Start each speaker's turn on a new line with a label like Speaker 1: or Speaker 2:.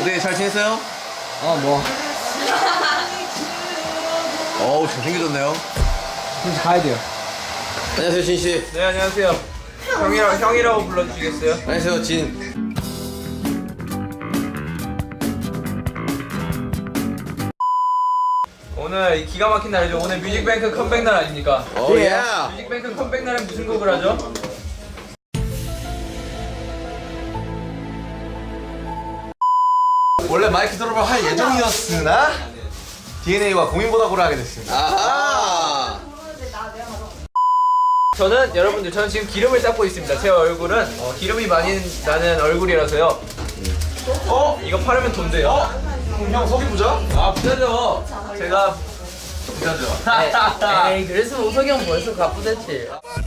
Speaker 1: 네, 잘 지냈어요?
Speaker 2: 뭐
Speaker 1: 어우, 잘생겨졌네요.
Speaker 2: 이제 가야 돼요.
Speaker 1: 안녕하세요, 진씨.
Speaker 3: 네, 안녕하세요. 형이라고 불러주시겠어요?
Speaker 1: 안녕하세요, 진.
Speaker 3: 오늘 이 기가 막힌 날이죠. 오늘 뮤직뱅크 컴백 날 아닙니까?
Speaker 1: 오, 예.
Speaker 3: 뮤직뱅크 컴백 날에 무슨 곡을 하죠?
Speaker 4: 원래 마이크 드롭을 할 예정이었으나 DNA와 고민보다고를 하게 됐습니다.
Speaker 1: 아하.
Speaker 3: 저는 지금 기름을 닦고 있습니다. 제 얼굴은 기름이 많이 나는 얼굴이라서요. 이거 팔으면 돈 돼요.
Speaker 4: 형 속이 부자?
Speaker 3: 아, 부자죠. 제가
Speaker 4: 부자죠.
Speaker 3: 에이, 그랬으면 우석이 형 벌써 가쁘댔지.